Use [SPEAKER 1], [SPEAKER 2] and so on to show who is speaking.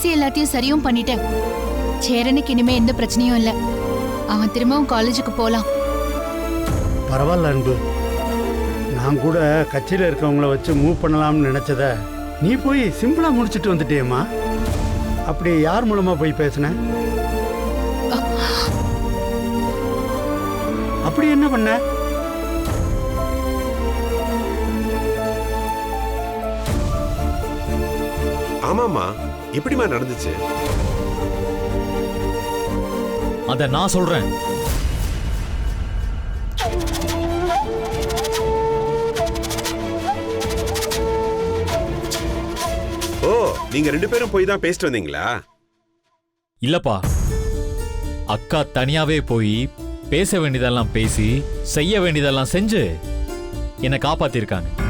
[SPEAKER 1] பேசி எல்லாத்தையும் சரியும் பண்ணிட்டேன். சேரனுக்கு இனிமே எந்த பிரச்சனையும் இல்ல. அவன் திரும்பவும் காலேஜுக்கு போலாம்.
[SPEAKER 2] பரவாயில்ல அன்பு. நான் கூட கட்சியில் இருக்கவங்கள வச்சு மூவ் பண்ணலாம்னு நினைச்சத நீ போய் சிம்பிளா முடிச்சிட்டு வந்துட்டியம்மா. அப்படி யார் மூலமா போய் பேசுன? அப்படி என்ன பண்ண?
[SPEAKER 3] ஆமாமா, எப்படிமா நடந்துச்சு?
[SPEAKER 4] அத நான் சொல்றேன்.
[SPEAKER 3] ஓ, நீங்க 2 பேரும் போய் தான் பேசிட்டு வந்தீங்களா?
[SPEAKER 4] இல்லப்பா, அக்கா தனியாவே போய் பேச வேண்டியதெல்லாம் பேசி செய்ய வேண்டியதெல்லாம் செஞ்சு என்னை காப்பாத்திருக்காங்க.